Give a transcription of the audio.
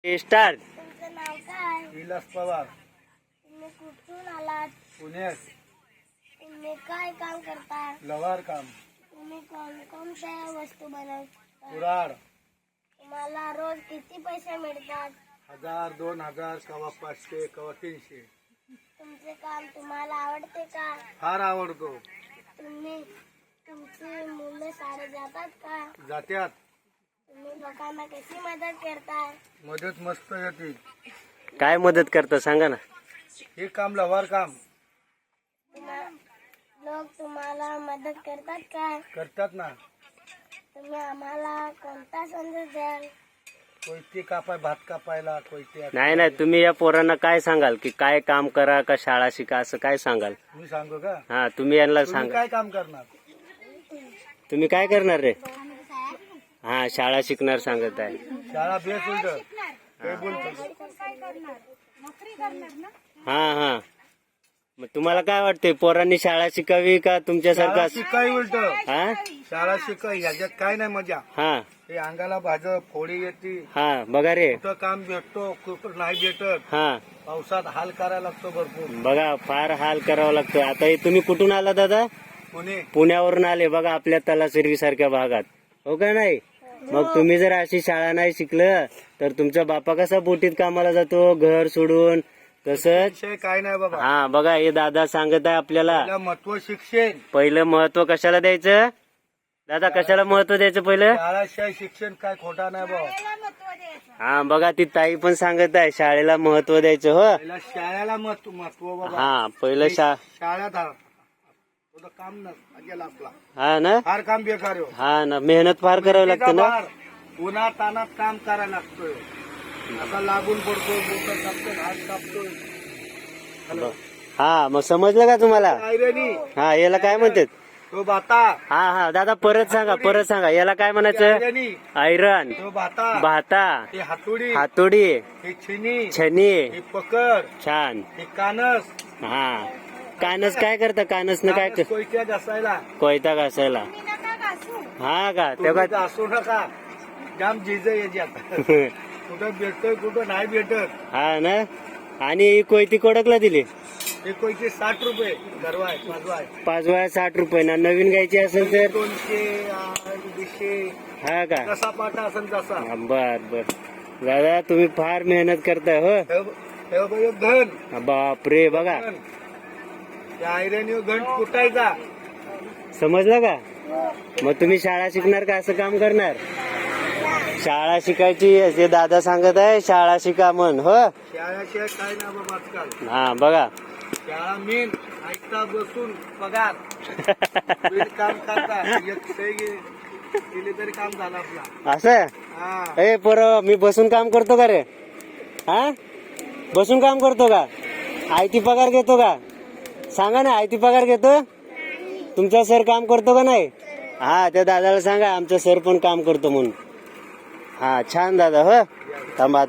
Start. तुमचं नाव काय? विलास पवार, तुम्ही कुठून आलात? पुण्यात. तुम्ही काय काम करता? लवार काम, तुम्ही कोणकोणत्या वस्तू बनवता? कुराड. तुम्हाला रोज किती पैसे मिळतात? 1000, 2000, कवा 500, कवा 300. तुमचे काम तुम्हाला आवडते का? फार आवडतो. तुमची मुलं शाळेत जातात का? जात्यात. तुम्ही लोकांना कशी मदत करताय? मदत मस्त येते. काय मदत करता सांगा ना. हे काम लवार काम लोक तुम्हाला मदत करतात का? करतात ना. तुम्ही आम्हाला कोणता संदेश द्याल? कोयते कापाय, भात कापायला कोयते. नाही नाही, तुम्ही या पोरांना काय सांगाल की काय काम करा का शाळा शिका असं काय सांगाल? मी सांगू का? हा, तुम्ही यांना तुम्ही सांगा. काय काम करणार? तुम्ही काय करणार रे? हा, शाळा शिकणार सांगत आहे. शाळा बेस उलट ते बोलतो. हा हा, मग तुम्हाला काय वाटतंय, पोरांनी शाळा शिकावी का तुमच्यासारखं शाळा असं? शिकाय उलट. हा शाळा शिकाय ह्याच्यात काय नाही मजा. हा हे अंगाला भाजप फोडी येते. हा, बघा रे. कुठं काम भेटतो, कुठं नाही भेटत. हा, पावसात हाल करायला लागतो भरपूर. बघा फार हाल करावा लागतो. आता हे तुम्ही कुठून आला दादा? पुणे. पुण्यावरून आले बघा, आपल्या तलासरी सारख्या भागात, हो का नाही? मग तुम्ही जर अशी शाळा नाही शिकलं तर तुमचा बापा कसा बोटीत कामाला जातो घर सोडून? तसंच. विषय काय नाही बाबा. हा बघा, हे दादा सांगत आहे आपल्याला. पहिलं महत्व शिक्षण. पहिलं महत्व कशाला द्यायचं दादा? कशाला महत्व द्यायचं पहिलं? शाळाशिवाय शिक्षण काय खोटा नाही बाबा. हा बघा, ती ताई पण सांगत आहे शाळेला महत्व द्यायचं. हो, पहिला शाळेला महत्व बाबा. हा पहिलं शाळेत थोडं काम नसला आपला. हा ना, फार काम बेकार आहे. हा ना, मेहनत फार करावी लागते ना. उन्हात तानात काम करायला लागतोय. असा लागून पडतो, बोट कापतोय, हात कापतोय. हॅलो. हा, मग समजलं का तुम्हाला? आयरणी हा, याला काय म्हणतात? तो भाता. हा हा दादा, परत सांगा याला काय म्हणायचं? आयरणी आयरन. तो भाता. भाता. हे हातोडी. हातोडी. हे छिनी. छनी. हे पकड. छान. हे कानस. हा, कानस काय करता? कानसनं काय कानस कोयत्या घासायला. कोयता घासायला. हा का, तेव्हा तुम्ही असू नका. जाम जिज याच्यात. कुठं भेटतोय, कुठं नाही भेटत. हा ना. आणि ही कोयती कोडकला दिली? हे कोयते 60 रुपये गरवाय, पाचवाय. 5 वया 60 रुपये ना. नवीन घ्यायची असेल तर 200, 200. हा का? कसा पाटा असेल तसा. बर बर दादा, तुम्ही फार मेहनत करताय. हो, हे बघ, हे घन. बापरे, बघा. घन. त्या आयरन घन कुटायचा. समजलं का? मग तुम्ही शाळा शिकणार का असं काम करणार? शाळा शिकायची, ते दादा सांगत आहे शाळा शिका म्हण. हो, शाळाशिवाय काय ना बाबा आजकाल. हा बघा. शाळा मेन ऐकता बसून पगार. बिन काम करता एक सही केली तरी काम झालं आपला. असं? हा. ए पोरं, मी बसून काम करतो का रे? हा, बसून काम करतो का? आयती पगार घेतो का? सांगा ना, आयती पगार घेतो? तुमचा सर काम करतो का नाही? हा, त्या दादाला सांगा आमचा सर पण काम करतो म्हणून. हा, छान दादा. हो, थांबा.